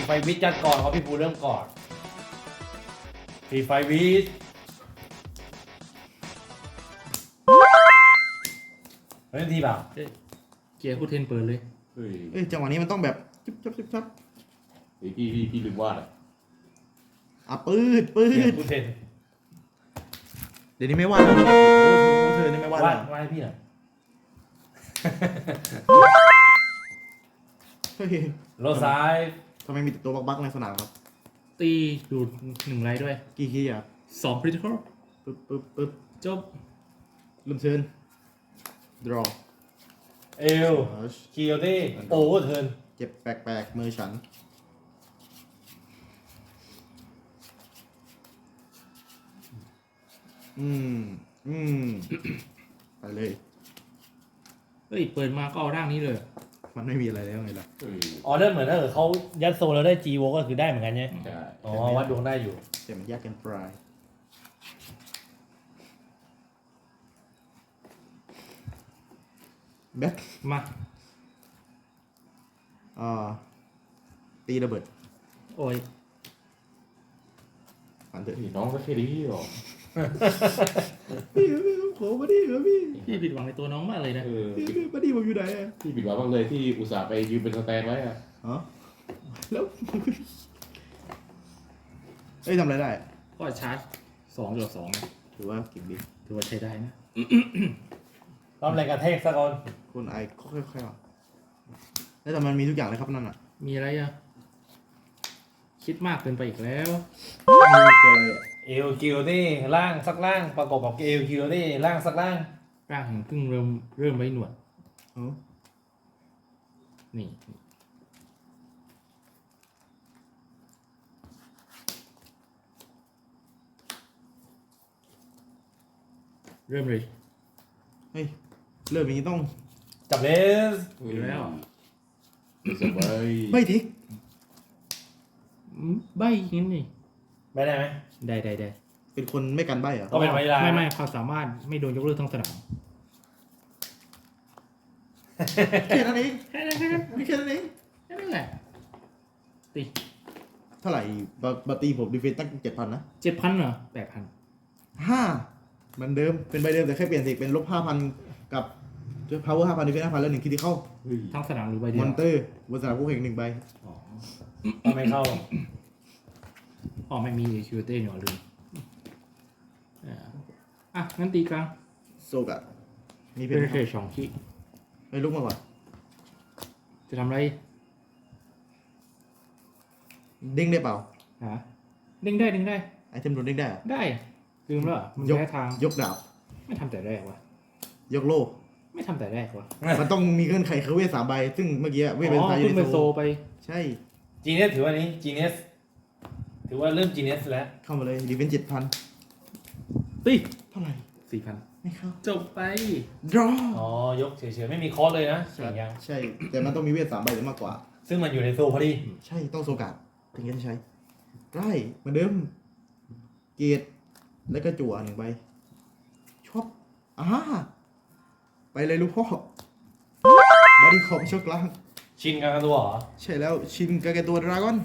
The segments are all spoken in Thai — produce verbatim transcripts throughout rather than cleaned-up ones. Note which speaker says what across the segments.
Speaker 1: ไฟวิทย์จัดก่อนเขาพี่ภูเริ่มก่อนฟรีไฟวิทย์เล่นทีเปล่า
Speaker 2: เอ้ยเกียร์คู่เทนเปิดเลย
Speaker 3: เฮ้ย
Speaker 4: เอ้ยจังหวะนี้มันต้องแบบจุ๊บจับจุ๊บจับ
Speaker 3: เฮ้ยพี่พี่พี่ลืมวาดอ่ะ
Speaker 4: อ่ะปืดปื
Speaker 1: เปลี่ย
Speaker 4: ด
Speaker 1: นผู้เทน
Speaker 4: เดี๋ยวนี้ไม่วาดแล้วโอ้โหเธอนี่ไม่วาด
Speaker 1: วา
Speaker 4: แล้
Speaker 1: ด
Speaker 4: ว
Speaker 1: วาดให้พี่หน่อย
Speaker 4: เฮ้ย
Speaker 1: โลซ้าย
Speaker 4: ทำไมมีแต่ตัวบักๆในสนามครับ
Speaker 2: ตีดูดหนึ่งไรด้วย
Speaker 4: กี่คีย์อ่ะ
Speaker 2: สองคริติคอล
Speaker 4: ปึ๊บปึ๊บปึ๊บ
Speaker 2: จบ
Speaker 4: เริ่มเชิญ draw
Speaker 1: เอลคิโยตี้โอเวอร์เทิร์น
Speaker 4: เจ็บแปลกๆมือฉันอืมอืม ไปเลย
Speaker 2: เฮ้ย เปิดมาก็เอาร่างนี้เลย
Speaker 4: มันไม่มีอะไรแล้วไงล่ะ
Speaker 3: เฮ้ย
Speaker 1: ออเดอร์เหมือนถ้าเกิดเขายัดโซแล้วได้จีโวก็คือได้เหมือนกันใช่ไหม
Speaker 3: ใช่
Speaker 1: อ๋อวัดดวงได้อยู่
Speaker 4: แต่มันยากเกันปลายแบ็ค
Speaker 2: มา
Speaker 4: อ่าตีระเบิด
Speaker 2: โอ้ย
Speaker 4: ฝันเถอะ
Speaker 3: เฮ้ยน้องก็แค่นี้หรอ
Speaker 4: พี่พี่ขอมาดิครับพี่
Speaker 2: พี่ผิดหวังในตัวน้องมากเลยนะ
Speaker 3: เออ
Speaker 4: พี่พี่มาดิผมอยู่ไหนอะ
Speaker 3: พี่ผิดหวังมากเลยที่อุตส่าห์ไปยืมเป็นสแตนไว้อ่ะ
Speaker 4: ฮะแล้ว เอ้ยทำอะไรได้
Speaker 2: ก็ชาร์จสองหยดสองนะ
Speaker 4: ถือว่าเก่งดี
Speaker 2: ถือว่าใช้ได้นะ
Speaker 1: รอบแรงกระแทกสักคน
Speaker 4: คนไอค่อยๆอ่ะแล้วแต่มันมีทุกอย่างเลยครับนั่นอ่ะ
Speaker 2: มีอะไรอ่ะ คิดมากเกินไปอีกแล้ว
Speaker 4: มีตัวอะไรอ่ะ
Speaker 1: เอลคิโยตี้ล่างสักล่างประกอบกับเอลคิโยตี้ล่างสักล่าง
Speaker 2: ร่างแห่งเพิ่งเริ่มเริ่มไว้หนวด
Speaker 4: อ๋อ
Speaker 2: นี่ เริ่มเลย
Speaker 4: เฮ้ยเริ่มอย่างนี้ต้อง
Speaker 1: จับเลส
Speaker 2: อยู่แล้ว
Speaker 3: สบาย
Speaker 4: ไม่ทิก
Speaker 2: อืมใบยิงนี่
Speaker 1: ไม่ได้ไหม
Speaker 2: ได้ได้ได้
Speaker 4: เป็นคนไม่กันใบเหรอ
Speaker 1: ก็เป็นไวลา
Speaker 2: ไม่ไม่ความสามารถไม่โดนยกเลิกทั้งสนาม
Speaker 4: แค่นั้นเอง
Speaker 2: แค่นั้นแค่นั้น
Speaker 4: ไม่แค่นั้นเอง
Speaker 2: แค่นั้นแหละตี
Speaker 4: เท่าไหร่บาบาตีผมดีเฟนตั้งเจ็ดพันนะ
Speaker 2: เจ็ดพันเหรอแปดพัน
Speaker 4: ห้าเหมือนเดิมเป็นใบเดิมแต่แค่เปลี่ยนสีเป็นลบห้าพันกับ power ห้าพันดีเฟนห้าพันแล้วหนึ่งคิดที่เข้า
Speaker 3: เฮ้ย
Speaker 2: ทั้งสนามหรือใบเดี
Speaker 4: ม
Speaker 2: ย
Speaker 4: อ
Speaker 2: วน
Speaker 4: เตอร์บนสนามคู่แข่งหนึ่งใบ
Speaker 2: อ๋อ
Speaker 1: ก็ไม่เข้า
Speaker 2: อ๋อไม่มีคิวเต้หนอลืมอ่าอ่ะงั้นตีกลาง
Speaker 4: โซกะมีเพ
Speaker 2: เป็น
Speaker 4: น
Speaker 2: เฟสสองขี
Speaker 4: ไม่ลุกมาก่อน
Speaker 2: จะทำอะไร
Speaker 4: เด้งได้เปล่า
Speaker 2: ฮะเด้งได้เด้งได้
Speaker 4: ไอเทมโดนเด้งได้เหรอ
Speaker 2: ได้ลืมแล้วเหรอมัน
Speaker 4: ยก
Speaker 2: แพ้ทาง
Speaker 4: ยกดาบ
Speaker 2: ไม่ทำแต่แรกวะ
Speaker 4: ยกโล่
Speaker 2: ไม่ทำแต่แรกวะ
Speaker 4: มันต้องมีเงื่อนไขคือเวทสามใบ ซึ่งเมื่อกี้เวทเป็น
Speaker 2: อ๋อ
Speaker 4: ไซ
Speaker 2: เพิ่งไป
Speaker 4: ใน
Speaker 2: โซ
Speaker 4: โซ
Speaker 2: ไป
Speaker 4: ใช่
Speaker 1: จีเนสถือว่านี้จีเนสถือว่าเริ่มจีเนสแล้ว
Speaker 4: เข้ามาเลยดีเวนเจ็ดพัน
Speaker 2: ตี
Speaker 4: เท่าไหร่
Speaker 2: สี่พัน
Speaker 4: ไม่เข้า
Speaker 2: จบไป
Speaker 4: draw
Speaker 1: อ๋อยกเฉยๆไม่มีคอร์สเลยนะสิ่งยัง
Speaker 4: ใช่ แต่มันต้องมีเวทสามใบหรือมากกว่า
Speaker 1: ซึ่งมันอยู่ในโซพอดี
Speaker 4: ใช่ต้องโซกาดถึงจะใช้ได้เหมือนเดิม เกตแล้วก็จั่วหนึ่งใบชอบอ่าไปเลยลูกพ่อบอดี้คอมช็อกล่าง
Speaker 1: ชินกันกันตัวเหรอ
Speaker 4: ใช่แล้วชินกาแกตัวดราก้อน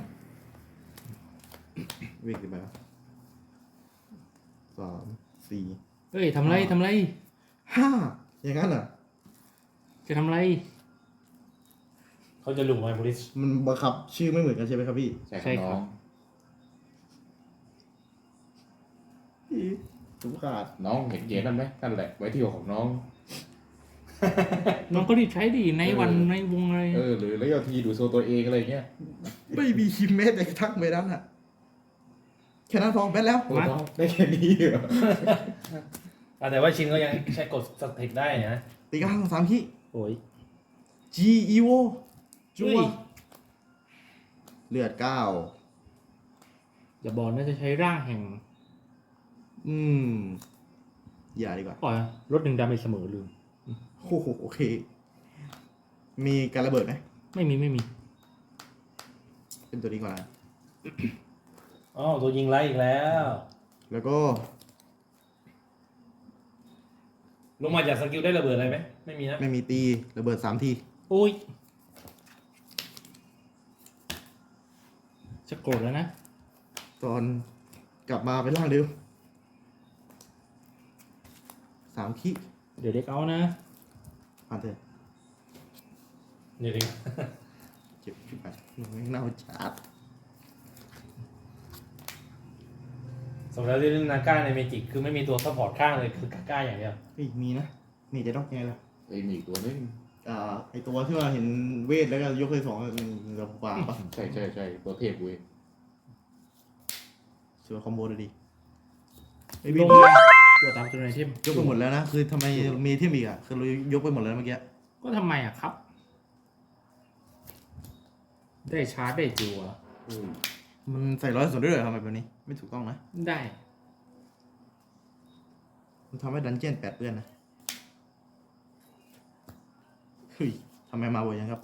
Speaker 4: เวกกี่ใบวะสามสี่
Speaker 2: เฮ้ยทำไรทำไร
Speaker 4: ห้าอย่างนั้นเหรอ
Speaker 2: จะทำไร
Speaker 1: เขาจะหลุมไมโพลิส
Speaker 4: มันบังคับชื่อไม่เหมือนกันใช่ไหมครับพี่
Speaker 3: ใช่ครับน้อง
Speaker 4: พี่ถูกขาด
Speaker 3: น้องเห็นเกมนั่นไหมนั่นแหละไว้ที่หัวของน้อง
Speaker 2: น้องก็รีบใช้ดิในวันในวงอะไร
Speaker 3: เออหรือแล้วเอาทีดูโซตัวเองอะไรเงี้ย
Speaker 4: ไม่มีคิมแม้แต่กระทั่งใบนั้นอ่ะแค่นั้นพอแบนแล้ว
Speaker 3: โอ้น้องได้แค่นี้เหรอ
Speaker 1: อ่ะแต่ว่าชินก็ยังใช้กดสเต็ปได้นะ
Speaker 4: ตีกลางสามขี้
Speaker 2: โอ้ย
Speaker 4: G E V O จัว
Speaker 2: เฮ้ย
Speaker 4: เลือดเก้า
Speaker 2: อย่าบอกนะจะใช้ร่างแห่ง
Speaker 4: อืม อย่าดีกว่า
Speaker 2: ปล่อยลดหนึ่งดาเมจเสมอลืม
Speaker 4: โอ้โหโอเค มีการระเบิดไหม
Speaker 2: ไม่มีไม่มี
Speaker 4: เป็นตัวนี้ก่อนนะ
Speaker 1: อ๋อตัวยิงไล่อีกแล้ว
Speaker 4: แล้วก็
Speaker 1: ลงมาจากสกิลได้ระเบิดอะไรไหมไม่มีนะ
Speaker 4: ไม่มีตีระเบิดสามที
Speaker 2: โอ้ยจะโกรธแล้วนะ
Speaker 4: ตอนกลับมาเป็นร่างเดิมสามขี้
Speaker 2: เดี๋ยวเด็กเอานะ
Speaker 4: ผ่านเถอะ
Speaker 1: นี่ดิ
Speaker 4: เจ็บชิบหายมึงไม่เน่าจัด
Speaker 1: สมแล้วที่เล่นนาก้าในเมจิกคือไม่มีตัวซัพพอร์ตข้างเลยคือกาก้าอย่างเดียว
Speaker 4: เฮ้ยมีนะมีจะต้องยังไงล่ะ
Speaker 3: ไอ้ยมีอีกตัวนึง
Speaker 4: อ่าไอตัวที่ว่าเห็นเวทแล้วก็ยกเลยสองมันจะปาปะ
Speaker 3: ใช่ใช่ใช่ตัวเทพเว้ย
Speaker 4: สวยคอมโบเลยดีไอ
Speaker 2: ล
Speaker 4: วิน
Speaker 2: งมาตัวตามตัวไหนที่
Speaker 4: ยกไปหมดแล้วนะคือทำไมมีเทียมอีกอ่ะคือเรายกไปหมดแล้วเมื่อกี้
Speaker 2: ก็ทำไมอ่ะครับ ได้ชาร์จได้จัว
Speaker 3: เฮ้ย
Speaker 4: มันใส่ร้อยส่วนด้วยเหรอทำไมแบบนี้ไม่ถูกต้องนะ
Speaker 2: ได้
Speaker 4: มันทำให้ดันเจี้ยนแปดเปื้อนนะเฮ้ยทำไมมาบ่อยยังครับ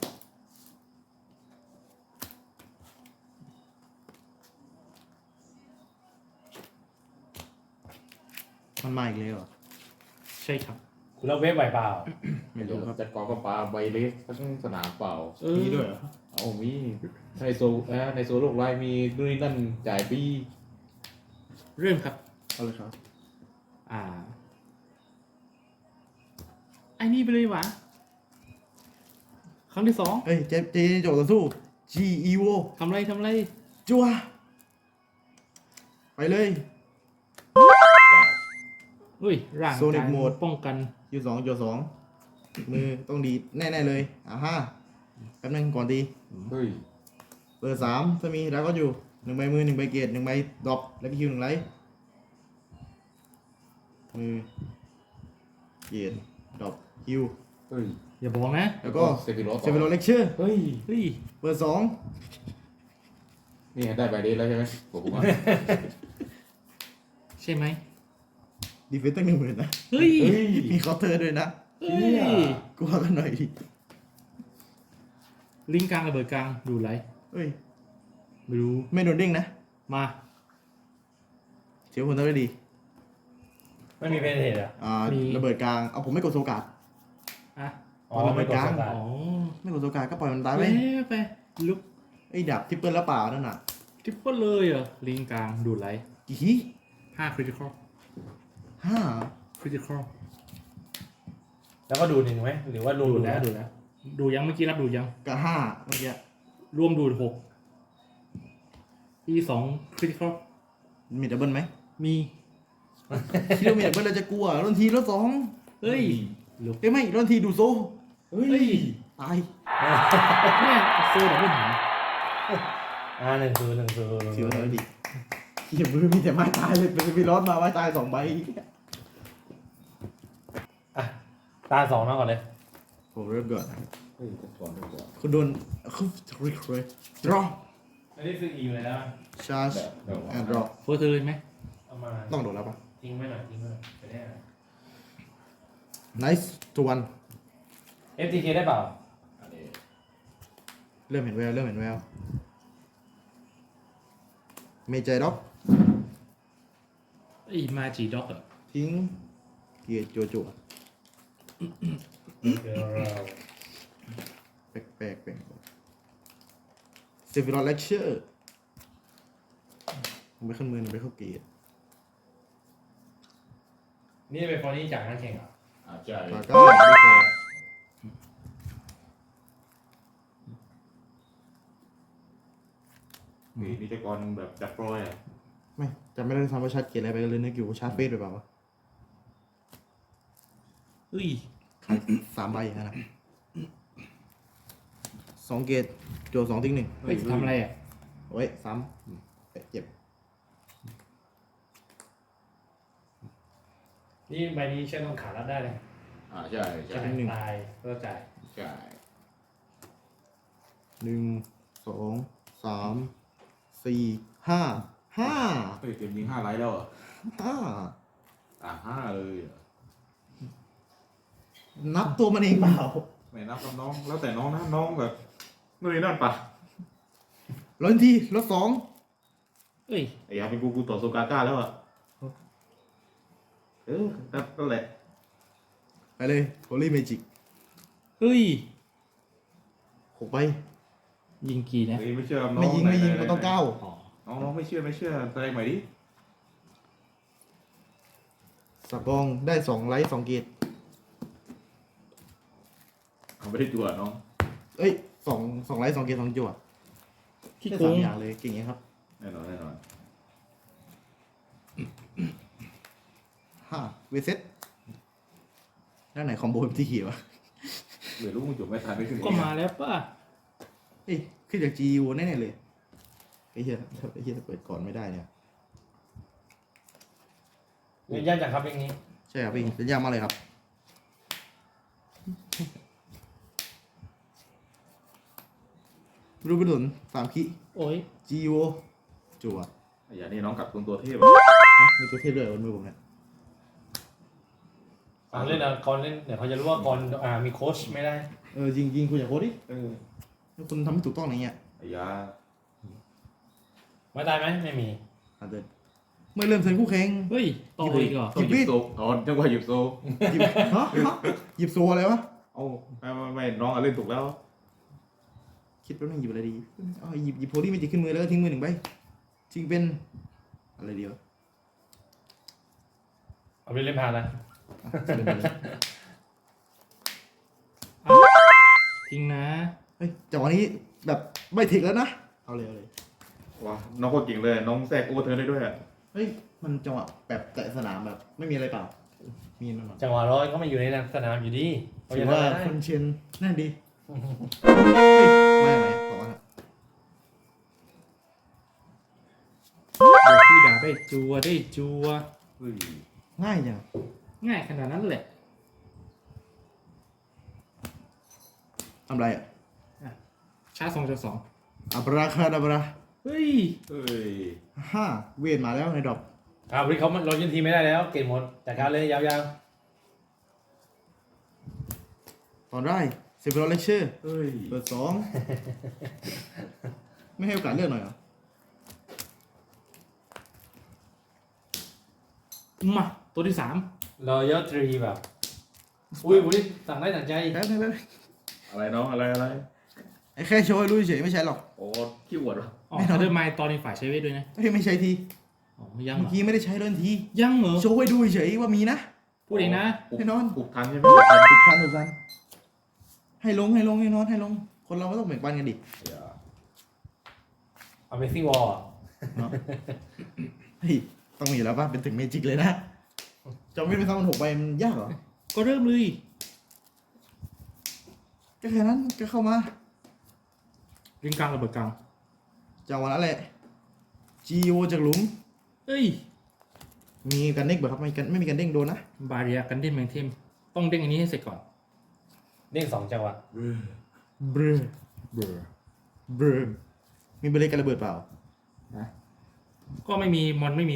Speaker 4: มันมาอีกเลยเหรอ
Speaker 2: ใช่ครับ
Speaker 1: คุณเล่าเวฟไหวเปล่า
Speaker 4: ไม่
Speaker 3: เดี๋ย
Speaker 4: รู้
Speaker 3: ว
Speaker 4: ครับ
Speaker 3: จัดกองก็ปลาใบเลสทั้งสนามเปล่า
Speaker 2: เออ
Speaker 4: มีด้วยเหรอ
Speaker 3: เอามีในโซเอ่อในโซโลกไลน์มีนู่นนี่นั่นจ่ายปี
Speaker 2: เริ่มครับ
Speaker 4: เอาเลยครับ
Speaker 2: อ่าไอ้นี่ไปเลยวะครั้งที่สอง
Speaker 4: เฮ้ยเจเจโจต่อสู้ G E V O
Speaker 2: ทำไรทำไร
Speaker 4: จัวไปเลย
Speaker 3: ว้าว
Speaker 2: เฮ้ยร่าง
Speaker 4: Sonic
Speaker 2: กาย
Speaker 4: Mode
Speaker 2: ป้องกัน
Speaker 4: ยูสองยูสองมือต้องดีดแน่ ๆ เลยอ่าฮะแป๊บนึงก่อนดี
Speaker 3: เฮ้ย
Speaker 4: เบอร์สามถ้ามีแล้วก็อยู่หนึ่งใบมือหนึ่งใบเกตหนึ่งใบดรอปแล้วก็คิวหนึ่งไลท์มือเกตดรอปคิว
Speaker 3: เฮ้ย
Speaker 2: อย่าบอกนะ
Speaker 4: แล้วก็
Speaker 3: เซฟิโรส
Speaker 4: เซเวโรเลคเชอร์
Speaker 3: เฮ้ย
Speaker 2: เฮ้ย
Speaker 4: เบอร์สอง
Speaker 3: นี่ได้ใบเลสแล้วใช่ไหมผมว่า
Speaker 2: ใช่ไหม
Speaker 4: ดีเฟนต์ตั้งหนึ่งหมื่นนะ
Speaker 2: เฮ้ย
Speaker 3: เฮ้ย
Speaker 4: มีเคาน์เตอร์ด้วยนะ
Speaker 2: เฮ้ย
Speaker 4: กลัวกันหน่อยดิ
Speaker 2: ลิงก์กลางระเบิดกลางดูไร
Speaker 4: เฮ้ย
Speaker 2: ไม่รู้
Speaker 4: ไม่โดนเด้งนะ
Speaker 2: มา
Speaker 4: เสียผลทำได้ดี
Speaker 1: ไม่มีเพนเทสอ่ะ
Speaker 4: อ่าระเบิดกลางเอาผมไม่กดโซกาด
Speaker 2: อ่ะ
Speaker 1: อ๋อไม่กดสกัด
Speaker 2: อ๋อ
Speaker 4: ไม่กดโซกาดก็ปล่อยมันตายไป
Speaker 2: ไปไปลุก
Speaker 4: ไอ้ดับทิปเปิลแล้วเปล่านั่นน่ะ
Speaker 2: ทิปเปิลเลยเหรอลิงก์กลางดูไร
Speaker 4: กี่ขี้
Speaker 2: ห้าคริติคอล
Speaker 4: ห้า
Speaker 2: คริติคอล
Speaker 1: แล้วก็ดูหนึ่งไหมหรือว่าดู
Speaker 2: ดู
Speaker 1: ดู
Speaker 2: แล้
Speaker 1: แล้ว ว
Speaker 2: ดูแล้ว ดูยังเมื่อกี้รับดูยัง
Speaker 4: กับห้าเมื่อกี้
Speaker 2: รวมดูดหกอีสองคริติคอล
Speaker 4: มีดับเบิลไหม
Speaker 2: มี
Speaker 4: คิดว่ามีดับเบิลเราจะกลัวรอนทีรถสอง
Speaker 2: เฮ้ยลุก
Speaker 4: เอ้ยไม่รอนทีดูโซ
Speaker 3: เฮ้
Speaker 2: เฮ้ย
Speaker 3: ย
Speaker 4: ตาย
Speaker 2: เนี่ยโซดับเบิลหา
Speaker 1: อ่าหนึ่งศูนย์หนึ่งศูนย์
Speaker 4: เสียวเลยดิเขียมือมีแต่ไม้ตายเลยเป็นมีรถมาไม้ตายสองใบ
Speaker 1: อ่ะตาสองน้องก่อนเลย
Speaker 4: ผมเริ่มก่อน
Speaker 3: เฮ้ยก่อนก่อน
Speaker 4: คุณโดนคุณรีเควสดรอ
Speaker 1: อันนี้คืออีอยู่แล้ว
Speaker 4: ชาร์จ
Speaker 3: แบบแบบ
Speaker 4: แอนด์ดรอ
Speaker 2: เฟิร์สเลยไหม
Speaker 1: เอามา
Speaker 4: ต้องโดนแล้วปะ
Speaker 1: ทิ้งไว้หน่อยทิ้งไว้หน่อยไปได้
Speaker 4: nice to one
Speaker 1: เอฟทีเคได้เปล่า
Speaker 3: อันนี้
Speaker 4: เริ่มเห็นแววเริ่มเห็นแววเมจด็อก
Speaker 2: ไอ้มาจีด็อกเหรอ
Speaker 4: ทิ้งเกียร์จัวจัว
Speaker 1: เดี๋ยวเรา
Speaker 4: แปลกแปลกแปลกเซฟิรอนเลคเชอร์ไม่ขึ้นมือไม่เข้าเกียร์
Speaker 1: นี่เป็นฟอร์นี่จากนักแข่งเหรอ
Speaker 3: อาจจะ
Speaker 4: กาก้าดีกว่า
Speaker 3: มีนิจกรแบบดับโปรยอ่ะ
Speaker 4: ไม่จำไม่ได้ทำว่าชาร์จเกียร์อะไรไปเลยนึกอยู่ว่าชาร์จเฟสไปเปล่าวะ
Speaker 2: เฮ้ย
Speaker 4: ขายสามใบอย่างนั้นนะสองเกียร์จัวสองทิ้งหนึ่ง
Speaker 2: เฮ้ยทำอะไรอ่ะ
Speaker 4: โอ้ยซ้ำเจ็บ
Speaker 1: นี่ใบนี้เชื่อต้องขาดรับได้เลย
Speaker 3: อ่าใช่ใช่
Speaker 1: จะตายก็จ่าย
Speaker 3: ใช่
Speaker 4: หนึ่งสองสามสี่ห้าห้า
Speaker 3: เฮ้ยเกมมีห้าไลท์แล้วอ่ะ
Speaker 4: ห้า
Speaker 3: อ่าห้าเลยอ่ะ
Speaker 4: นับตัวมันเองเปล่า
Speaker 3: ไม่นับกับน้องแล้วแต่น้องนะน้องแบบนู่นนี่นั่นปะ
Speaker 4: ร้อยทีลดสอง
Speaker 2: เฮ้ย
Speaker 3: ไอ้ยาเป็นกูกูต่อโซกาก้าแล้วอ่ะเออนั่นแหละ
Speaker 4: ไปเลยโฮลี่เมจิก
Speaker 2: เฮ้ย
Speaker 4: หกใบ
Speaker 2: ยิงกี่นะ
Speaker 3: เฮ้ยไม่เชื่อน้อง
Speaker 4: ไม่ยิงไม่ยิง
Speaker 3: หๆ
Speaker 4: มันต้องเก้า
Speaker 2: อ๋อ
Speaker 3: น้องน้องไม่เชื่อไม่เชื่อแสดงใหม่ดิ
Speaker 4: สับกองได้สองไลท์สองเกต
Speaker 3: เขาไม่ได้จั่วน้อง
Speaker 4: เอ้ยสองสองไลท์สองเกตสองจั่ว
Speaker 2: ขี้
Speaker 4: ได้
Speaker 2: โก
Speaker 4: สาม
Speaker 2: ง
Speaker 4: อย่างเลยเก่งไงครับ
Speaker 3: แน่นอนแน่นอน
Speaker 4: ห้าเวเซ็ตด้านไหนคอมโบที่เขียววะ
Speaker 3: เหลือลูกมึงจุ่มไม่ทันไม่ขึ้น
Speaker 2: ก็มาแล้วป่ะ
Speaker 4: เอ้ยขึ้นจากจีวแน่ๆเลยไอ้เหี้ยไอ้เหี้ยเปิดก่อนไม่ได้เนี่ย
Speaker 1: เล่นยากจังครับอย่างนี้
Speaker 4: ใช่ครับพี่เป็นยากมากเลยครับรูปดุนสามคิ
Speaker 2: โอ้ย
Speaker 4: จีโอจั่ว
Speaker 3: ไอ้ยานี่น้องกลับตัวตัวเทพ
Speaker 4: อ๋อมีตัวเทพด้วยบนมือผมเนี่ย
Speaker 1: ฟังเล่นนะก่อนเล่นเดี๋ยวเขาจะรู้ว่าก่อนอ่ามีโค้ชไม่ได้
Speaker 4: เออจริงจริงคุณอย่าโคตรดิ
Speaker 3: เออ
Speaker 4: ถ้าคุณทำไม่ถูกต้องอย่างเงี้ย
Speaker 3: ไอ้ยา
Speaker 1: ไม่ได้ไหมไม่มี
Speaker 4: อาจจะเมื่อเริ่มเซ็นคู่แข่ง
Speaker 2: เฮ้ยต่ออีกเหรอ
Speaker 3: ต้องหยิบโซอ๋อจังหวะหยิบโซ
Speaker 4: หยิบฮะฮะหยิบโซอะไรวะ
Speaker 3: เอาไม่ไม่ไม่น้องอะเล่นถูกแล้ว
Speaker 4: คิดว่ามันหยิบอะไรดีอ๋อหยิบหยิบโพลี่เมจิกขึ้นมือแล้วก็ทิ้งมือหนึ่งใบทิ้งเป็นอะไรดีวะ
Speaker 1: เอาไปเล่นผ่านนะ
Speaker 4: อ่ะเป็นไปเลย
Speaker 2: ทิ้งนะ
Speaker 4: เฮ้ยจังหวะนี้แบบไม่ถึงแล้วนะ เอาเลยเอาเลย
Speaker 3: ว้าน้องก็เก่งเลยน้องแทรกโอเวอร์เทิร์นได้ด้วยอะ
Speaker 4: เฮ้ยมันจังหวะแบบแต่สนามแบบ ไม่มีอะไรเปล่า มีนั่นหรอ
Speaker 1: จังหวะร้อยก็ไม่อยู่ในสนามอยู่ดีเขา
Speaker 4: ถื
Speaker 1: จะ
Speaker 4: อ
Speaker 1: ทำ
Speaker 4: ว่า
Speaker 1: อะไรได้
Speaker 4: คนเชียนนั่นดีเฮ้ยไม่ไหนบอกว่า
Speaker 2: เดี๋ยวพี่ด่าได้จัวได้จัว
Speaker 3: เฮ้ย
Speaker 4: ง่ายจัง
Speaker 2: ง่ายขนาดนั้นแหละ
Speaker 4: ทำไรอ่ะ
Speaker 2: ชาร์จสองจุดสอง
Speaker 4: อับราคาดับรา
Speaker 2: เฮ้ย
Speaker 3: เฮ้ย
Speaker 4: ห้าเวทมาแล้วในดรอป
Speaker 1: อ่าวันนี้เขาเรายืนทีมไม่ได้แล้วเกมหมดจัดการเลยยาว
Speaker 4: ตอนได้เซฟโรเลเชอร์
Speaker 3: เฮ้ย
Speaker 4: เปิดสองไม่ให้โอกาสเลือกหน่อยเหรอ
Speaker 2: มาตัวที่สาม
Speaker 1: ๆเราเยอะทรีแบบอุ้ยวันนี้สั่งได้สั่งใจ
Speaker 4: แป๊บนึงแป๊บนึง
Speaker 3: อะไรน้องอะไรอะไร
Speaker 4: ไอ้แค่โชว์ให้รู้เฉยๆไม่ใช่หรอก
Speaker 3: โอ้ขี้อวดวะ
Speaker 2: อ๋อทันเดอร์ไมล์ตอนนี้ฝ่ายใช้เวทด้วยนะ
Speaker 4: เฮ้ยไม่ใช่ที
Speaker 2: อ๋อยังเหร
Speaker 4: เมื่อ
Speaker 2: อ
Speaker 4: กี้ไม่ได้ใช้เดินที
Speaker 2: ยังเหรอ
Speaker 4: โชว์ให้ดูเฉยๆว่ามีนะ
Speaker 2: พูดเองนะ
Speaker 3: ปลุก
Speaker 4: แน่นอน
Speaker 3: ปลุกทันใช่ไหม
Speaker 4: ถูกทันถูกทันให้ลงให้ลงให้นอนให้ลง คนเราก็ต้องแบ่งปันกันดิ
Speaker 3: อย่า
Speaker 1: เอาเมซี่วอล
Speaker 4: เนาะเฮ้ยต้องมีอยู่แล้วป่ะเป็นถึงเมจิกเลยนะจำไม่ได้ซ้ำมันหกใบมันยากเหรอ
Speaker 2: ก็เริ่มเลย
Speaker 4: ก็แค่นั้นก็เข้ามา
Speaker 2: ริงกลางระเบิดกลาง
Speaker 4: จังหวะนั้นแหละจีโอจากหลุม
Speaker 2: เอ้ย
Speaker 4: มีกันเด้งเปล่าครับไม่กันไม่มีกันเด้งโดนนะ
Speaker 2: บาเรียกันเด้นแมงเทมต้องเด้งอันนี้ให้เสร็จก่อน
Speaker 1: เด้งสองจังหวะ
Speaker 4: เบร
Speaker 2: เบอร์
Speaker 4: เบรมีเบรกันระเบิดเปล่า
Speaker 2: นะก็ไม่มีมอนไม่มี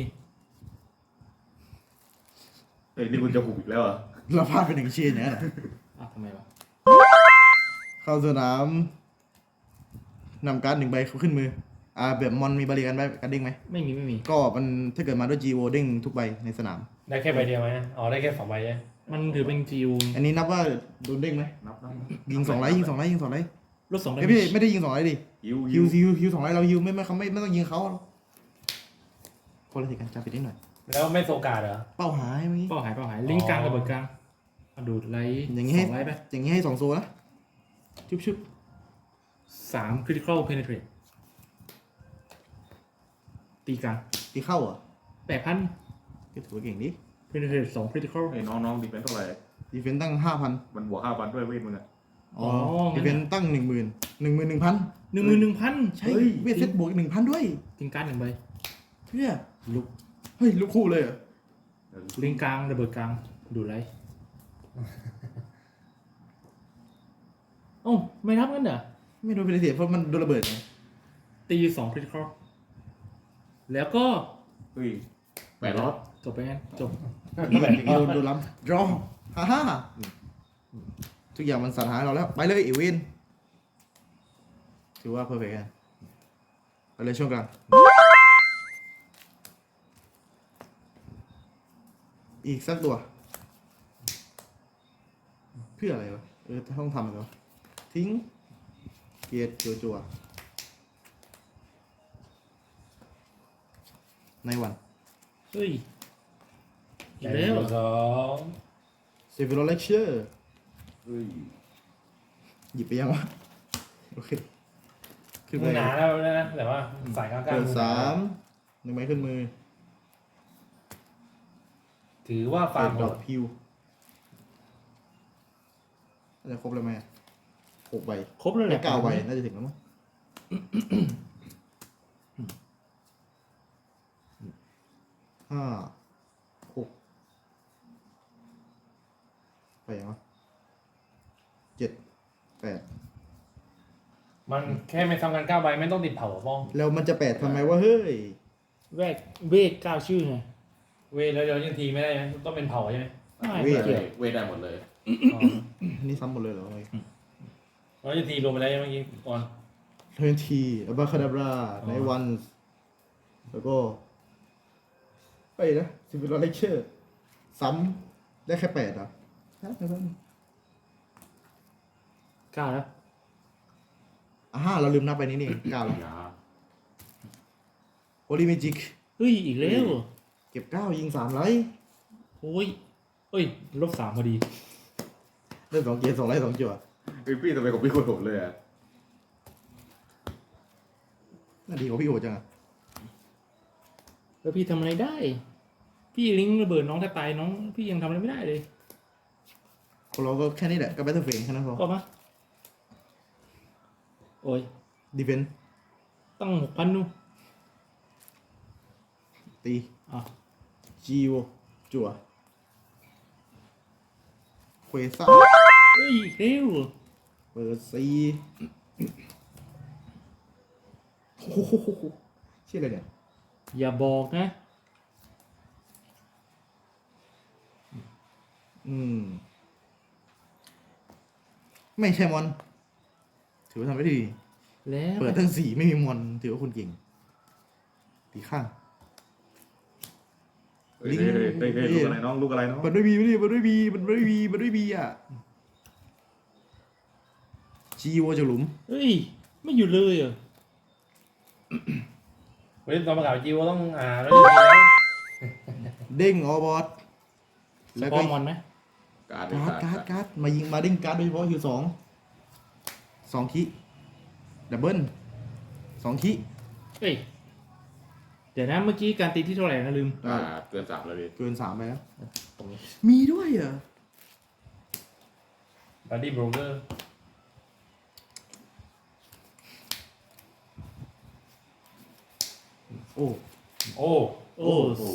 Speaker 3: เฮ้ยนี่คุณจะหุบอีกแล้วเหรอ่ะ
Speaker 4: เราพลาดไปหนึ่งเชียร์อย่างนั้นเหรอ
Speaker 2: อ่ะทำไมวะ
Speaker 4: เข้าสนามนำการ์ดหนึ่งใบขึ้นมือ อ่าแบบมอนมีบริการใบการเด้งไหม
Speaker 2: ไม่มีไม่มี
Speaker 4: ก็มันถ้าเกิดมาด้วยจีโอเด้งทุกใบในสนาม
Speaker 1: ได้แค่ใบเดียวไหมอ๋อได้แค่สองใบใช่ไหม
Speaker 2: มันถือเป็นจิว
Speaker 4: อันนี้นับว่าโดนเด้งไหม
Speaker 3: นับนับ
Speaker 4: ยิงสองไลท์ยิงสองไลท์ยิงสองไลท์
Speaker 2: ลดสองได้
Speaker 4: เอ้ยพี่ไม่ได้ยิงสองไลท์ดิ
Speaker 3: ฮิว
Speaker 4: ฮิวฮิวฮิวสองไลท์เราฮิวไม่ไม่เขาไม่ไม่ต้องยิงเขาหรอกคนละทีกันจำไปนิดหน่อย
Speaker 1: แล้วไม่โซกาดเหรอ
Speaker 4: เป้าหายเมื่อกี้
Speaker 2: เป้าหายเป้าหายลิงก์กลางระเบิดกลางเอาดูดไลท์
Speaker 4: อย่างงี้ให้
Speaker 2: สองไลท์ไป
Speaker 4: อย่างนี้ให้สองโซนะชุบชุบ
Speaker 2: สาม critical penetrate ตีกลาง
Speaker 4: ตีเข้าเหรอ่ะ
Speaker 2: แปดพัน
Speaker 4: ก็ถือว่าเก่งดิ
Speaker 2: penetrate สอง critical
Speaker 3: ไอ้น้องน้องดีเฟนเท่าไหร่
Speaker 4: ดีเฟนตั้งห้าพัน
Speaker 3: มันบวกห้าพันด้วยเวทมึงอะ
Speaker 4: อ๋อ
Speaker 2: อ๋องั้
Speaker 4: ดี
Speaker 2: น
Speaker 4: เฟนตั้งหนึ่งหมื่นหนึ่งหมื่นหนึ่งพัน
Speaker 2: หนึ่งหมื่นหนึ่งพัน
Speaker 4: ใช่เวทเซตบวกหนึ่งพันด้วย
Speaker 2: ทิ้งการ์ดหนึ่งใบ
Speaker 4: เพื่อลุกเฮ้ยลุกคู่เลยเหรอ
Speaker 2: ลิงก์กลางระเบิดกลางดูดไลท์โอ้าไม่รับกันเหรอ
Speaker 4: ไม่โดนเป็นเสียเพราะมันโดนระเบิดไง
Speaker 2: ตีสอง critical แล้วก็
Speaker 3: เฮ้ยแปดรอบ
Speaker 2: จบไปงั้นจบ
Speaker 4: อย่างนี้โดนโดนล้ำรอฮ่าฮ่าทุกอย่างมันสัญหาเราแล้ว ไปเลยอีเวนถือว่าเพอร์เฟกต์ไปเลยช่วงกลางอีกสักตัว เพื่ออะไรวะเออต้องทำอะไรวะทิ้งเกียร์จัวจัวในวัน
Speaker 2: เฮ้ยอี
Speaker 1: แต่
Speaker 2: กแล้ว
Speaker 1: สอง
Speaker 4: เซฟิโรเลคเชอร์
Speaker 3: เฮ้ย
Speaker 4: หยิบไปยังวะโอเคขึ้น
Speaker 1: มื
Speaker 4: ไป
Speaker 1: อหนาแล้วนะแต่ว่าสายกลางๆ
Speaker 4: เปิด
Speaker 1: มือหน
Speaker 4: สามหนึ่งไม้ขึ้นมือ
Speaker 1: ถือว่าฟา
Speaker 4: เปิ
Speaker 1: ร์ม
Speaker 4: ด
Speaker 1: โห
Speaker 4: ดอ
Speaker 1: ด
Speaker 4: กพิวน่าจะครบเลยไหมอะหกใบ
Speaker 2: ครบแล้วแห
Speaker 4: แค่
Speaker 2: ละ
Speaker 4: เก้าใบน่าจะถึงแล้วมั้งห้าหกไปยังวะเจ็ดแปด
Speaker 1: มันแค่ไม่ทำกันเก้าใบไม่ต้องติดเผาอะป้อง
Speaker 4: แล้วมันจะแปดทำไมวะเฮ้ย
Speaker 2: แวกเวกเก้าชื่อไง
Speaker 1: เวทแล้วเดี๋ยวยังทีไม่ได้ไหมต้องเป็นเผาใช่ไหม
Speaker 2: ไม่
Speaker 4: เวท
Speaker 2: เกี่ยว
Speaker 3: เวทได้หมดเลย
Speaker 1: อ๋อ
Speaker 4: นี่ซ้ำหมดเลยเหรอ
Speaker 1: แล้วยังทีรวมไปแล้วเมื่อกี้ก่อน
Speaker 4: เทนทีอัลบาคาดาบราไนวันแล้วก็ไปนะซิฟิโรเลคเชอร์ซ้ำได้แค่แปดอ่ะ
Speaker 2: เก้าแล้ว
Speaker 4: อ่าเราลืมนับไปนี้นี่เก้าแล้ว
Speaker 3: ยา
Speaker 4: โอลิเมจิก
Speaker 2: เฮ้ยอีกแล้ว
Speaker 4: เก็บเก้ายิงสามไลท์
Speaker 2: โอ้ยเอ้ยลบสามพอดี
Speaker 4: ได้สองเกมสองไลท์สองจั่ว
Speaker 3: เฮ้ยพี่ทำไมของพี่โคตรโหดเลยอ่ะ
Speaker 4: น่าดีกว่าพี่โหจังอะ
Speaker 2: แล้วพี่ทำอะไรได้ พี่ลิงก์ระเบิดน้องถ้าตายน้องพี่ยังทำอะไรไม่ได้เลย
Speaker 4: คนเราก็แค่นี้แหละก็แบทเทิลเฟนแค่นั้นพอ
Speaker 2: ก็มาโอ้ย
Speaker 4: ดีเฟน
Speaker 2: ตั้งหกพันนู่น
Speaker 4: ตี
Speaker 2: อ่ะ
Speaker 4: จีโอจั่วเควซ่า
Speaker 2: เฮ้ยเร็ว
Speaker 4: เปิดซีโอ้โหชื่ออะไรเนี่ย
Speaker 2: อย่าบอกนะ
Speaker 4: อืม ไม่ใช่มอน ถือว่าทำได้ดี
Speaker 2: แล้ว
Speaker 4: เปิดทั้งสี่ไม่มีมอน ถือว่าคุณเก่ง ตีข้าง
Speaker 3: เฮ้ยเฮ้ยเฮ้ยเฮ้ยเฮ้ยลูกอะไรน้องลูกอะไรน้อง
Speaker 4: มันไม่มีไม่ดีมันไม่มีมันไม่มีมันไม่มีอ่ะจีโอจากหลุม
Speaker 2: เฮ้ยไม่อยู่เลยเหรอ
Speaker 1: เว้ยตอนประกาศจิวต้องอ่าแล้วยังทีแล้ว
Speaker 4: เด้งออบอสแล้ว
Speaker 2: พ
Speaker 4: ก็
Speaker 2: อมอนไหม
Speaker 3: การ์ด
Speaker 4: การ์ดการ์ดการ์ดมายิงมาเด้งการ์ดโดยเฉพาะคิวสองสองคิดับเบิลสองคิ
Speaker 2: เฮ้ยเดี๋ยวนะเมื่อกี้การตีที่เท่าไหร่นะลืม
Speaker 3: อ่าเกินสามแล้วพี่
Speaker 4: เกินสามไปแล้ว
Speaker 2: ตรงนี้
Speaker 4: มีด้วยเหรอ
Speaker 1: บัดดี้โบรกเกอร์
Speaker 4: โอ้
Speaker 1: โอ้
Speaker 2: โอ้
Speaker 3: โอ้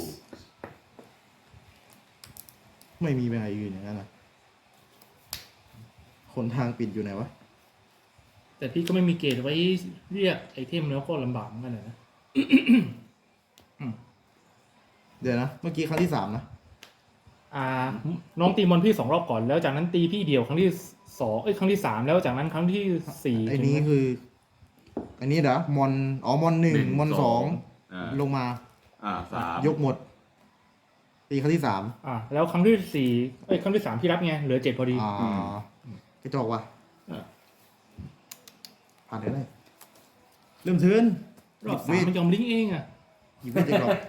Speaker 4: ไม่มีเป็นไงอื่นอย่างนั้นนะคนทางปิดอยู่ไหนวะ
Speaker 2: แต่พี่ก็ไม่มีเกรดไว้เรียกไอเทมแล้วก็ลำบากเหมือนกันนะ
Speaker 4: เดี๋ยวนะ เมื่อกี้ครั้งที่สามนะ
Speaker 2: อ่า น้องตีมอนพี่สองรอบก่อนแล้วจากนั้นตีพี่เดียวครั้งที่สองเอ้ยครั้งที่สามแล้วจากนั้นครั้งที่สี่
Speaker 4: ไอ้นี้คือ อันนี้เหรอมอนอ๋อมอนหนึ่งมอนสอง
Speaker 3: อ่า
Speaker 4: ลงมา
Speaker 3: อ่าสาม
Speaker 4: ยกหมด ตีครั้งที่สาม
Speaker 2: อ่าแล้วครั้งที่สี่เอ้ยครั้งที่สามพี่รับไงเหลือเจ็ดพอดี
Speaker 4: อ่ากระจอกว่ะ
Speaker 2: อ่ะ
Speaker 4: ผ่านได้เลยเริ่มเทิร์น
Speaker 2: รอบ
Speaker 4: ห
Speaker 2: สา
Speaker 4: ยิ
Speaker 2: ม
Speaker 4: บ
Speaker 2: มันยอมลิงก์เองอ่ะ
Speaker 4: หยิบเวทจากกรอบ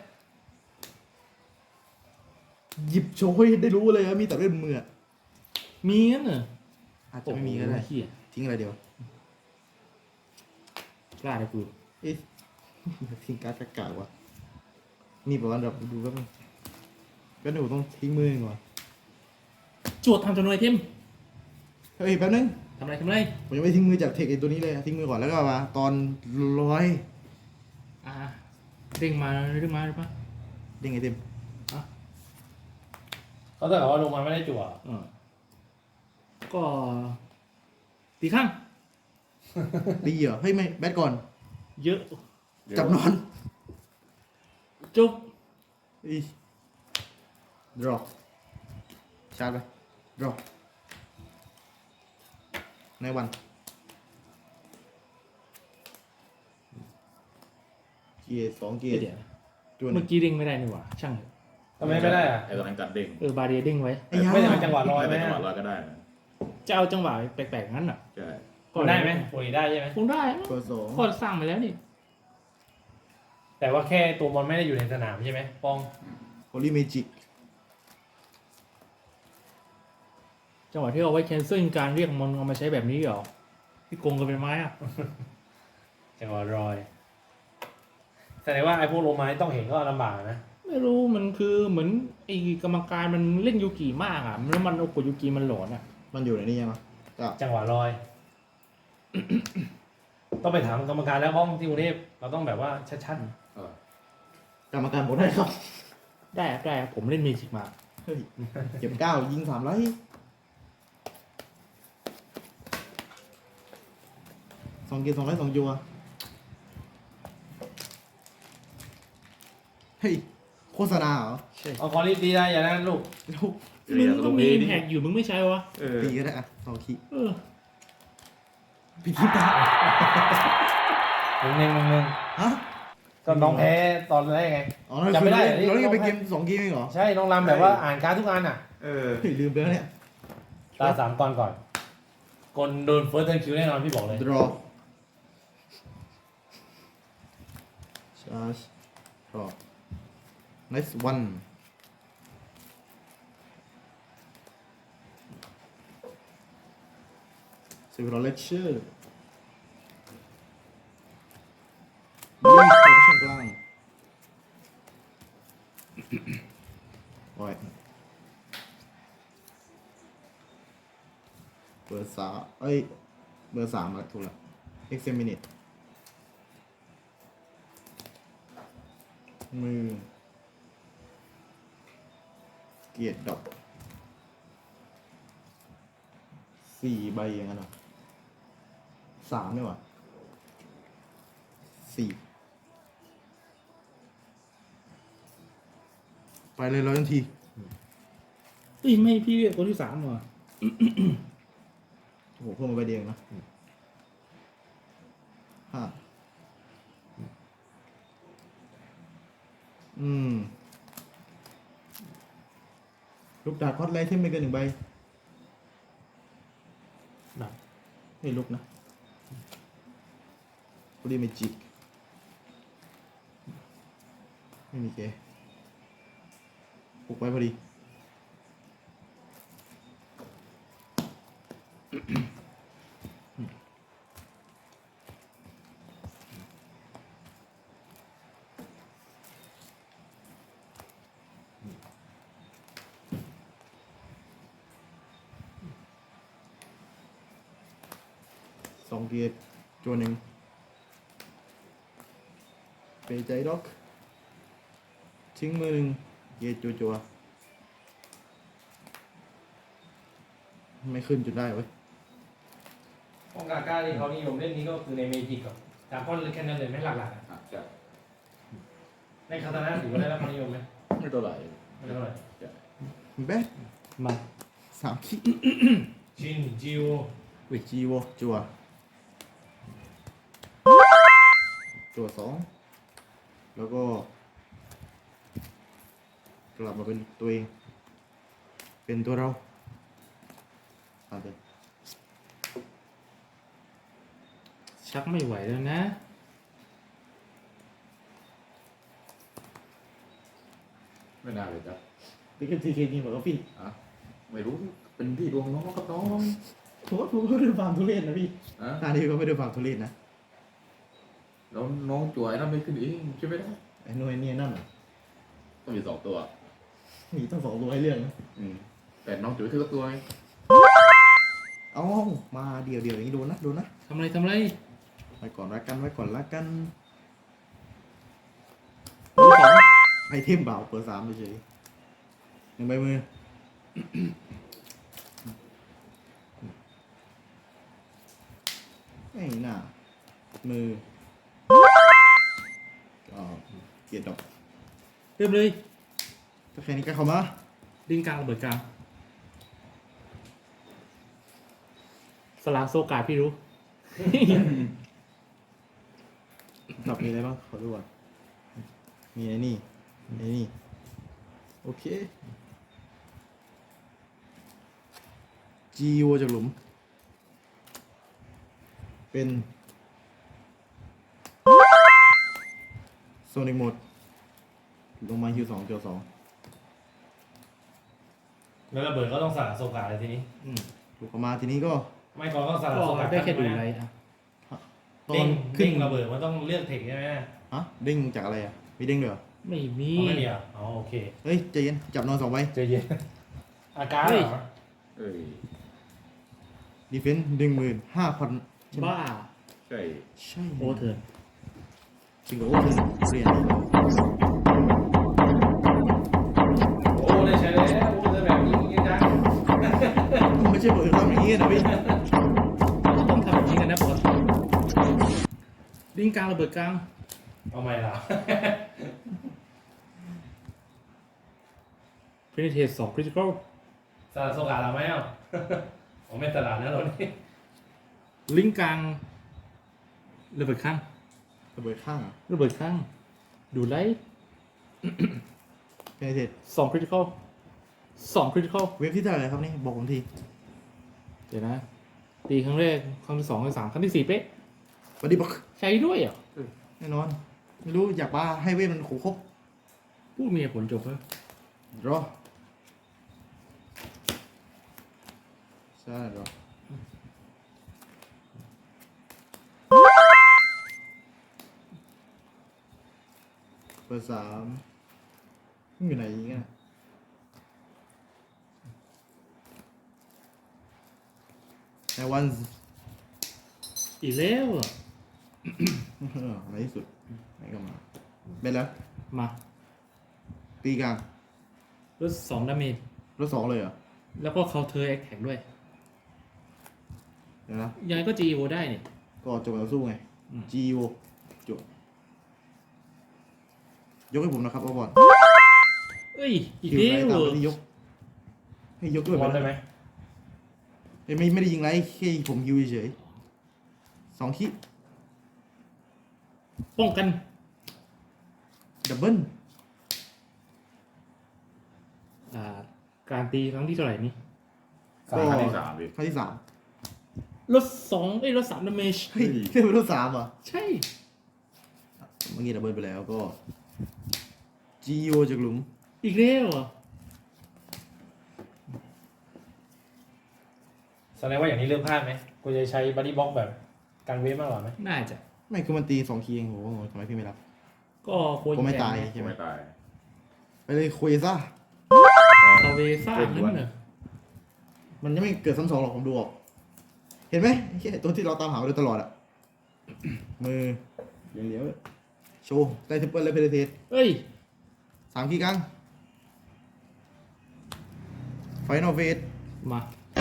Speaker 4: หยิบโชว์ให้ได้รู้เลยว่ามีแต่เล่นมืออะ
Speaker 2: มีงั้นเหรอ
Speaker 4: อาจจะไม่มีก็ได้
Speaker 2: โอ้โหเหี้ย
Speaker 4: ทิ้งอะไรเดียว
Speaker 2: พลาดเลยกู
Speaker 4: เอ๊ะ ทิ้งการ์ดกากๆว่ะมีประมาณแบบดูแป๊บนึงก็หนูต้องทิ้งมือก่อน
Speaker 2: จวดทำจำนวนไอเทม
Speaker 4: เฮ้ยแป๊บนึง
Speaker 2: ทำอะไรทำอะไร
Speaker 4: ผมยังไม่ทิ้งมือจากเทคไอตัวนี้เลยทิ้งมือก่อนแล้วก็มาตอนร้อย
Speaker 2: อ่าเด้งมาเด้งมาหรือเปล่า
Speaker 4: เด้งไอเต็ม
Speaker 1: เขาแต่ว่าลงมาไม่ได้จั่ว
Speaker 2: อ่าก็ตีข้าง
Speaker 4: ตีเหรอเฮ้ยไม่แบทก่อน
Speaker 2: เยอะ
Speaker 4: จับนอน
Speaker 2: จุบ
Speaker 4: อีดรอปชาร์จไปดรอปในวันเกียร์สองเกียร์
Speaker 2: เดี๋ยว
Speaker 4: ตัวหนึ
Speaker 2: เมื่
Speaker 4: ง
Speaker 2: อกี้เด้งไม่ได้นี่หว่าช่างเถอะ
Speaker 1: ทำไมไม่ได้อะ
Speaker 3: ไอ้ตอนนั้นกัดเด้ง
Speaker 2: เออบาเรียเด้งไว้
Speaker 4: ไอ้ยา
Speaker 1: ไม่ได้เป็นจังหวะลอยไหม
Speaker 3: ไม่จังห
Speaker 1: อะ
Speaker 3: วะลอยก็ได้นะ
Speaker 2: จะเอาจังหวะแปลกๆงั้นอ่ะ
Speaker 3: ใช่
Speaker 1: ได้ไหมโอ้ยได้ใช่ไหม
Speaker 2: คงได้
Speaker 4: เปิดสอง
Speaker 2: ก็สร้างไปแล้วนี่
Speaker 1: แต่ว่าแค่ตัวมันไม่ได้อยู่ในสนามใช่ไหมป้อง
Speaker 4: โฮลี่เมจิก
Speaker 2: จังหวะที่เอาไว้แคนเซิลการเรียกมันเอามาใช้แบบนี้เหรอพี่โกงกันเป็นไม้อะ
Speaker 1: จังหวะรอยแสดงว่าไอ้พวกโรมานี่ต้องเห็นก็ลำบากนะ
Speaker 2: ไม่รู้มันคือเหมือนไอ้กรรมการมันเล่นยูกิมากอ่ะแล้วมันเอากดยูกิมันหลอนอ่ะ
Speaker 4: มันอยู่ในนี้ยังไงก็
Speaker 1: จังหวะรอย ต้องไปถามกรรมการแล้วป้องที่กรุงเทพเราต้องแบบว่าชัด
Speaker 3: เออก
Speaker 4: รรมการบอกได้ครับ
Speaker 2: ได้ครับได้ครับผมเล่นเมจิกมา
Speaker 4: เฮ้ยเก็บเก้ายิงสามไลท์สองเกมสองไลท์สองจัวเฮ้ยโฆษณาเหรอ
Speaker 2: ใช่
Speaker 1: ๆเอาคอรีบดีได้อย่างนั้นลูก
Speaker 4: ลูก
Speaker 2: มึงก็มีแท็กอยู่มึงไม่ใช่วะ
Speaker 3: เออ
Speaker 4: ตีก็ได้อะสองขี
Speaker 2: เออ
Speaker 4: ปีคีตา
Speaker 1: หนึ่งหนึ่งหนึ่งหนึ่ง
Speaker 4: ฮะ
Speaker 1: ก็น้องแพ้ตอนแรกไง
Speaker 4: อ๋อเรา
Speaker 1: จำไม่ได้
Speaker 4: เราเล่นไปเกมสองเกมเองเหรอ
Speaker 1: ใช่น้องรำแบบว่าอ่านการดทุกอันอ่ะ
Speaker 3: เออ
Speaker 4: เฮ้ยลืมไปแล้วเนี่ย
Speaker 1: ตาสามตอนก่อนกลโดนเฟิร์สเทิร์นคิวแน่นอนพี่บอกเลย
Speaker 4: draw charge draw next one สิบรอเลคเชอร์ยิงเข้าช่องกลางโอ้ยเบอร์สามเอ้ย เบอร์สามมาถูกแล้ว examine มือ เกียรติดอกสี่ใบอย่างนั้นเหรอสามเนี่ยวะสี่ไปเลยร้อยทันที
Speaker 2: เอ้ยไม่พี่เรียกตัวที่สามเหรอ
Speaker 4: โอ้โหเพิ่มมาใบเดียวนะห้าอืม ลูกดาบคอสไลท์ที่ไม่เกินหนึ่งใบ
Speaker 2: แบบ
Speaker 4: ให้ลุกนะพอดีเมจิกไม่มีเกปลุกไว้พอดี สองเกียร์จวนหนึ่งเปใจด็อกทิ้งมือหนึ่งเกียร์จัวจัวๆไม่ขึ้นจุดได้เว้ย
Speaker 1: ป้องกาก้าที่เขานิยมเล่นนี้ก็คือในเมจิกกับดาร์คอนหรือแค่นั้นเลยไม่หลักๆอะ
Speaker 3: อ่ะใช่
Speaker 1: ในคาตานะถือว่าได้รับความนิยมไหม
Speaker 3: ไม่เท่าไหร่
Speaker 1: ไม่เท่าไหร่
Speaker 3: ใช่
Speaker 4: แบ๊ะ
Speaker 2: มา
Speaker 4: สามขีด
Speaker 1: ชินจิว
Speaker 4: เวทจีโวจัวจัวสองแล้วก็กลับมาเป็นตัวเอง เป็นตัวเราอาจจะ
Speaker 2: ชักไม่ไหวแล้วนะ
Speaker 3: ไม่น่าเลยจ้ะ
Speaker 4: นี่ก็ทีเคจริงเหรอพี่
Speaker 3: อ่ะไม่รู้เป็นที่ดวงน้องครับน้อง
Speaker 4: ผมว่าผมก็ไม่ได้ฟาร์มทุเรศนะพี่
Speaker 3: อ่ะ
Speaker 4: ท่านี้ก็ไม่ได้ฟาร์มทุเรศนะ
Speaker 3: แล้วน้องจ่วยนั่นไม่ขึ้นเองใช่ไหมนะ
Speaker 4: ไอ้หน่วยเนี่ยนั่นน่ะ
Speaker 3: ต้องมีสองตัว
Speaker 4: มีตั้งสองตัวให้เรื่องนะ
Speaker 3: อืมแต่น้องจุ๋ยคือตัวไง
Speaker 4: เอ้ามาเดียวเดียวอย่างนี้โดนนะโดนนะ
Speaker 2: ทำอะไรทำอะไร
Speaker 4: ไว้ก่อนละกันไว้ก่อนละกันเบอร์สองไอเทมเบาเปิดสามเฉยๆหนึ่งใบมือ ไม่น่ามือก็เกียรติดอก
Speaker 2: เริ่มเลย
Speaker 4: ถ้าแค่นี้ก็เข้ามา
Speaker 2: ดินกลางระเบิดกลาง สลาโซกาพี่รู้
Speaker 4: ดอกมีอะไรบ้างขอดูก่อนมีไอ้นี่ไอ้นี่โอเคจีโอจากหลุม เป็นโซนิกโหมดลงมาฮิวสองเกียวสอง
Speaker 1: แล้วระเบิดก็ต้องสลัดโซกาเลยทีนี้
Speaker 2: อืม
Speaker 4: ถูกออกมาทีนี้ก็
Speaker 1: ไม่ก็ต้องสลัด
Speaker 2: ก็
Speaker 1: โซกา
Speaker 2: ได้แค่ดูไรอ่ะ
Speaker 4: ตอ
Speaker 1: เด้
Speaker 4: น
Speaker 1: ง
Speaker 4: ขึ้
Speaker 1: เด้
Speaker 4: น
Speaker 1: งระเบิดมันต้องเลือกเทคใช่ไหม
Speaker 4: ฮะเด้งจากอะไรอ่ะมีเด้งด้วยเหรอ
Speaker 2: ไม่มี
Speaker 1: อ๋อไม่มีอ่ะอ๋อโอเค
Speaker 4: เฮ้ยใจเย็นจับนอนสองใบ
Speaker 1: ใจเย็นอาการเหรอ
Speaker 3: เอ้ย
Speaker 4: ดีเฟนส์หนึ่งหมื่นห้าพัน
Speaker 2: บ้า
Speaker 3: ใช่
Speaker 4: ใช่
Speaker 2: โอเถิน
Speaker 4: จริงเหรอโอ้เธอเรียน
Speaker 1: โอ้ได้ใช้แล้วโอ้ได้แบบนี้ยังจัง
Speaker 4: ไม่ใช่บอกจะทำอย่างนี้นะพี่
Speaker 2: ก็ต้องทำแบบนี้กันนะปกติลิงกลางระเบิดกลาง
Speaker 1: เอาไม่ละ
Speaker 2: ฟินิเทสสองคริติคอล
Speaker 1: สลัดโซกาเราไหมอ่ะ ผมไม่สลัดนะเรานี่
Speaker 2: ลิงกลางระเบิดข้าง
Speaker 4: ระเบิดข้างอ่ะ
Speaker 2: ระเบิดข้าง ดูไลท์
Speaker 4: เพนเทส
Speaker 2: สองคริติคอลสองคริติคอล
Speaker 4: เว็บที่เท่าไหร่ครับนี่บอกผมที
Speaker 2: เดี๋ยวนะ ตีครั้งแรกครั้งที่สองครั้งที่สามครั้งที่สี่เป๊ะ
Speaker 4: บัดดี้บ็อก
Speaker 2: ใช้ด้วยเหรอ่ะ
Speaker 4: แน่นอน ไม่รู้อยากว่าให้เวทมันขครบ
Speaker 2: พูดมีเหตุผลจบแล้ว
Speaker 4: รอใช่รอเบอร์สามมันอยู่ไหนอีกอ่ะแต่วัน
Speaker 2: อีกแล้วเหรอ
Speaker 4: ในที่สุดไหนก็มาเป็นแล้ว
Speaker 2: มา
Speaker 4: ตีกลาง
Speaker 2: ลดสองดาเมจ
Speaker 4: รถสองเลยเหรอ
Speaker 2: แล้วก็เคาน์เตอร์แอคแท็กด้วย
Speaker 4: เดี๋ยวนะ
Speaker 2: ยังไงก็ จี โอ ได้เนี่ย
Speaker 4: ก็จบแล้วสู้ไง
Speaker 2: อืม
Speaker 4: G O จบยกให้ผมนะครับเอาบอล
Speaker 2: เอ้ย อีก
Speaker 4: คิว
Speaker 2: แล้ว
Speaker 4: ไร
Speaker 2: เหร
Speaker 4: ตาม
Speaker 2: อ
Speaker 4: ไปที่ยก ให้ยกด้วย
Speaker 1: บอลได้ไหม
Speaker 4: เอ้ยไม่ไม่ได้ยิงไรแค่ผมยิวเฉยๆสองคิ
Speaker 2: ป้องกัน
Speaker 4: ดับเบิ้ล
Speaker 2: อ่า การตีครั้งที่เท่าไหร่นี่
Speaker 1: สา
Speaker 3: ค
Speaker 1: ม
Speaker 3: รั้ง
Speaker 1: เลย
Speaker 3: ที่สามดิ
Speaker 4: ครั้งที่สาม
Speaker 2: ลดสองเอ้ยลดสามดาเมจ
Speaker 4: เฮ้ยเรียกเป็นรถสามเหรอ่ะ
Speaker 2: ใช่
Speaker 4: เมื่อกี้ดับเบิ้ลไปแล้วก็ G O จากหลุม
Speaker 2: อีกแล้วเหรอ
Speaker 1: แสดงว่าอย่างนี้เริ่มพลาดไหมกูจะใช้บัดดี้บ็อกแบบการเวฟมากกว่าไหม
Speaker 2: น่าจะ
Speaker 4: ไม่คือมันตีสองคีเองโหทำไมพี่ไม่รับ
Speaker 2: ก็โคตร
Speaker 4: ผมไม่
Speaker 2: แพง
Speaker 4: ตาย
Speaker 2: นะ
Speaker 4: ใช่ไหม
Speaker 3: ไม่ตาย
Speaker 4: ไปเลยคุยซ่า
Speaker 2: คาเวซ่านั่นเหรอ
Speaker 4: มันยังไม่เกิดซ้ำสองหรอกผมดูออก เห็นไหมไอ้เหี้ยตัวที่เราตามหามาโดยตลอดอะ มือเลี้ยวเลี้ยวๆโชว์ได้ทิปเปิลและเพลเทส
Speaker 2: เอ้ย
Speaker 4: สามคีย์กลางไฟนอลเฟส
Speaker 2: มา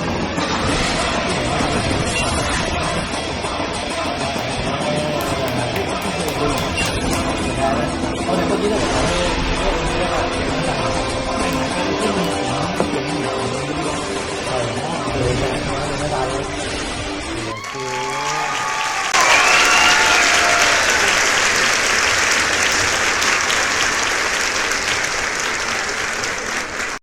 Speaker 1: เอาแต่เมื่อกี้เราบอกว่าเออไม่ตายเลย